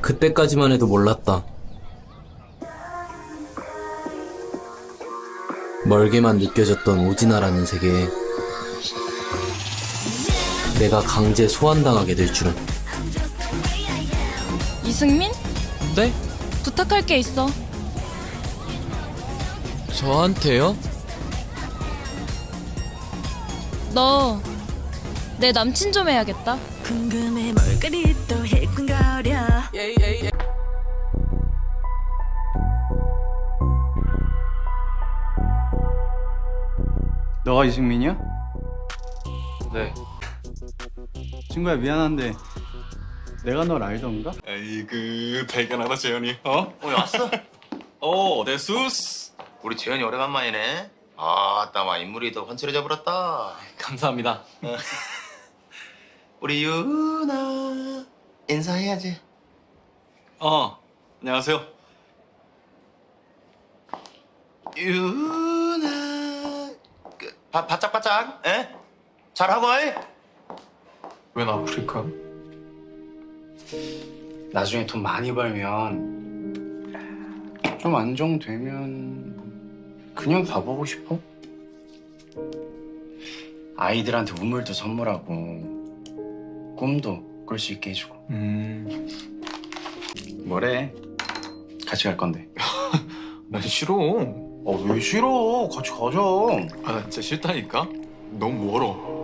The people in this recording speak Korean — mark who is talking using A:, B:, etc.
A: 그때까지만 해도 몰랐다. 멀게만 느껴졌던 오지나라는 세계에 내가 강제 소환당하게 될 줄은.
B: 이승민?
C: 네?
B: 부탁할 게 있어.
C: 저한테요?
B: 너 내 남친 좀 해야겠다.
D: 궁금해 뭘 그리 또 해군거려.
E: 너가 이승민이야?
C: 네.
E: 친구야 미안한데 내가 널 알던가?
F: 아이고 발견하다 재현이 왔어? 내 수스
G: 우리 재현이 오래간만이네. 아따 마 인물이 더 훤칠해져 버렸다.
C: 감사합니다.
G: 우리 유나 인사해야지.
F: 안녕하세요.
G: 유나 바짝바짝 에? 잘하고 이?
F: 웬 아프리카?
H: 나중에 돈 많이 벌면 좀 안정되면 그냥 가보고 싶어. 아이들한테 우물도 선물하고 꿈도 꿀 수 있게 해주고. 뭐래? 같이 갈 건데.
F: 난 싫어.
H: 왜 싫어? 같이 가자.
F: 나 진짜 싫다니까. 너무 멀어.